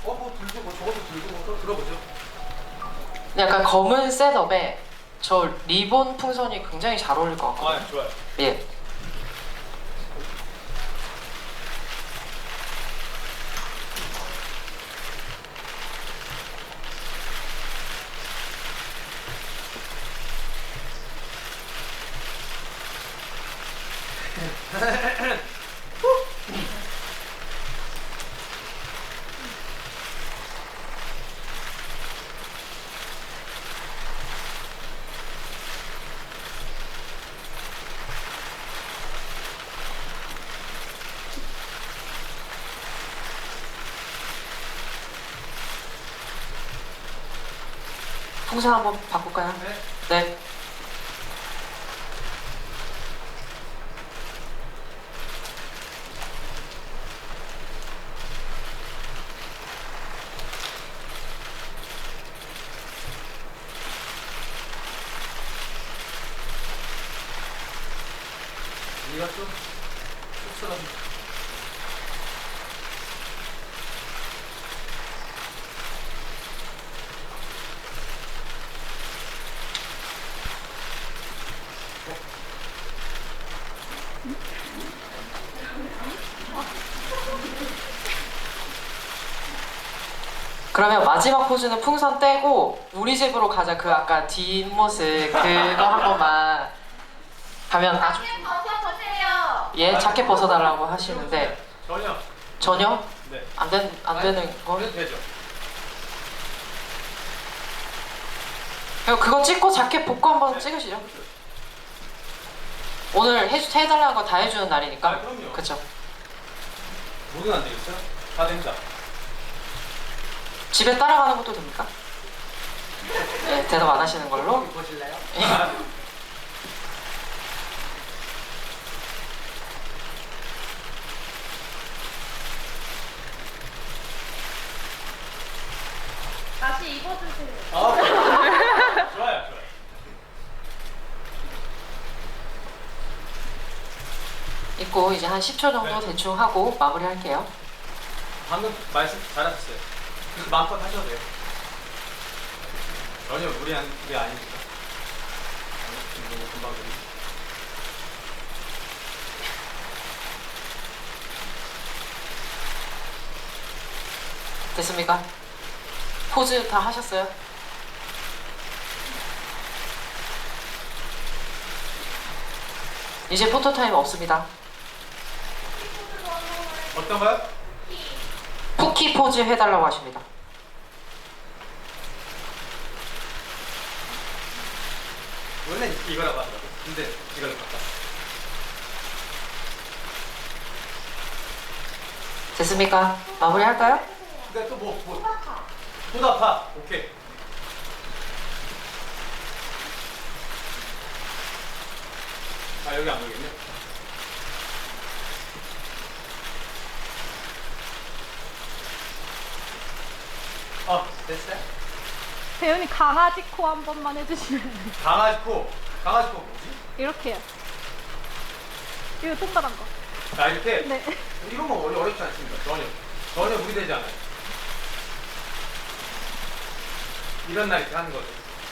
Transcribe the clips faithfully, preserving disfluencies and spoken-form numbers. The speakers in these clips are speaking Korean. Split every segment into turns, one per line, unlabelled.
어, 뭐 들고 뭐 저것도 들고 뭐 또 들어보죠.
약간 검은 셋업에 저 리본 풍선이 굉장히 잘 어울릴 것 같거든요.
아, 좋아요.
예. 풍선 한번 바꿀까요?
네.
네.
네가 좀 쑥스러운.
그러면 마지막 포즈는 풍선 떼고 우리 집으로 가자 그 아까 뒷모습 그거 한 번만 하면 아주
벗어보세요.
예 자켓 벗어달라고 하시는데
전혀.
전혀
네.
안, 된, 안 되는 거?
그래도 되죠.
그럼 그거 찍고 자켓 벗고 한번 찍으시죠. 오늘 해, 해달라는 거 다 해주는 날이니까.
아, 그럼요.
그쵸.
뭐든 안 되겠어요? 다 됩니다.
집에 따라가는 것도 됩니까? 네, 대답 안 하시는 걸로.
보실래요?
아,
다시 입어주세요.
아, 좋아요, 좋아요.
입고 이제 한 십 초 정도
네.
대충 하고 마무리 할게요.
방금 말씀 잘하셨어요. 그래서 마음껏 하셔도 돼요. 전혀 무리한 게 아니니까. 너무 금방 됩니다.
됐습니까? 포즈 다 하셨어요? 이제 포토타임 없습니다.
어떤 거요?
쿠키 포즈 해달라고 하십니다.
원래 이거라고 하더라고요. 근데 이걸로 바꿨어.
됐습니까? 마무리 할까요?
근데 또 뭐, 뭐. 소다파. 오케이. 아, 여기 안 보이겠네. 어, 됐어요?
배우님 강아지 코 한 번만 해주시면
강아지 코. 강아지 코 뭐지?
이렇게요. 이거 동그란 거.
자, 이렇게.
네.
이런 거 어려, 어렵지 않습니다. 전혀. 전혀 무리되지 않아요. 이런 날 이렇게 하는 거죠.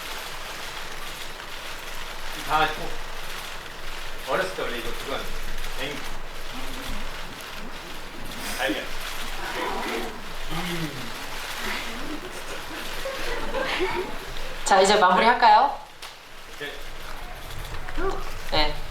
이 강아지 코. 어렸을 때 원래 이거 그건 앵. 알겠.
자 이제 마무리 할까요?
이렇게.
네.